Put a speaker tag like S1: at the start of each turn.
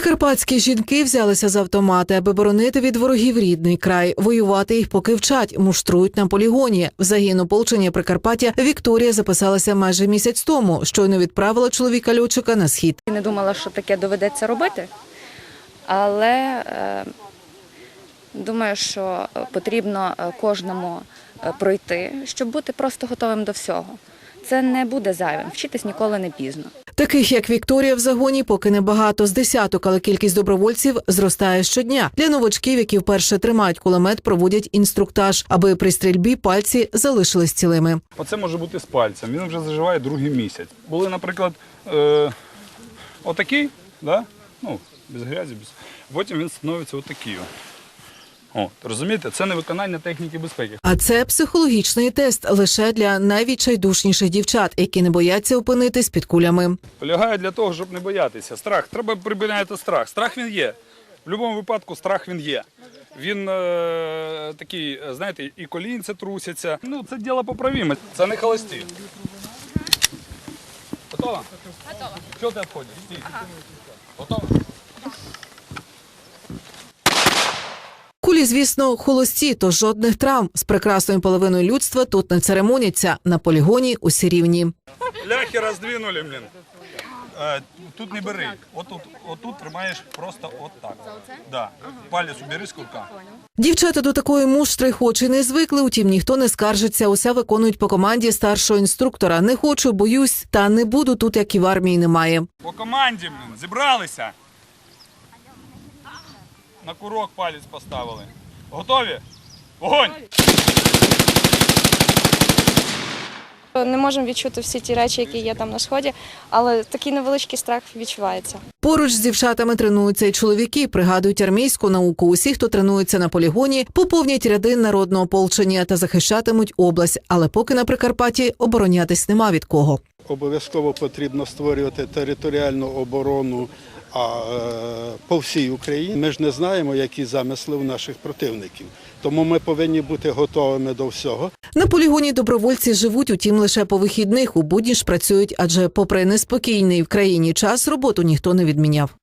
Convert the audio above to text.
S1: Прикарпатські жінки взялися за автомати, аби боронити від ворогів рідний край. Воювати їх поки вчать, муштрують на полігоні. В загін ополчення Прикарпаття Вікторія записалася майже місяць тому. Щойно відправила чоловіка-льотчика на схід.
S2: Не думала, що таке доведеться робити, але думаю, що потрібно кожному пройти, щоб бути просто готовим до всього. Це не буде зайвим, вчитись ніколи не пізно.
S1: Таких, як Вікторія, в загоні поки небагато, з десяток, але кількість добровольців зростає щодня. Для новачків, які вперше тримають кулемет, проводять інструктаж, аби при стрільбі пальці залишились цілими.
S3: Оце може бути з пальцем, він вже заживає другий місяць. Були, наприклад, отакий, да? Без грязі, потім він становиться отакий. Розумієте, це не виконання техніки безпеки.
S1: А це психологічний тест лише для найвідчайдушніших дівчат, які не бояться опинитись під кулями.
S3: Полягає для того, щоб не боятися. Страх. Треба припиняти страх. Страх він є. В будь-якому випадку страх він є. Він такий, знаєте, і колінці трусяться. Це діло поправіме. Це не холості. Готова? Готова. Чого ти відходиш? Стій. Готова?
S1: Кулі, звісно, холості, то жодних травм. З прекрасною половиною людства тут не церемоняться. На полігоні усі рівні.
S3: Ляхи роздвинули, блін. Тут не бери. Отут тримаєш просто отак. Да. Палець убери з курка.
S1: Дівчата до такої муштри хоч і не звикли, утім ніхто не скаржиться. Усе виконують по команді старшого інструктора. Не хочу, боюсь, та не буду тут, як і в армії немає.
S3: По команді, блін, зібралися. На курок палець поставили. Готові? Вогонь!
S4: Не можемо відчути всі ті речі, які є там на сході, але такий невеличкий страх відчувається.
S1: Поруч з дівчатами тренуються й чоловіки, пригадують армійську науку. Усі, хто тренується на полігоні, поповнять ряди народного ополчення та захищатимуть область. Але поки на Прикарпатті оборонятись нема від кого.
S5: Обов'язково потрібно створювати територіальну оборону по всій Україні. Ми ж не знаємо, які замисли у наших противників. Тому ми повинні бути готовими до всього.
S1: На полігоні добровольці живуть, утім, лише по вихідних. У будні ж працюють, адже попри неспокійний в країні час, роботу ніхто не відміняв.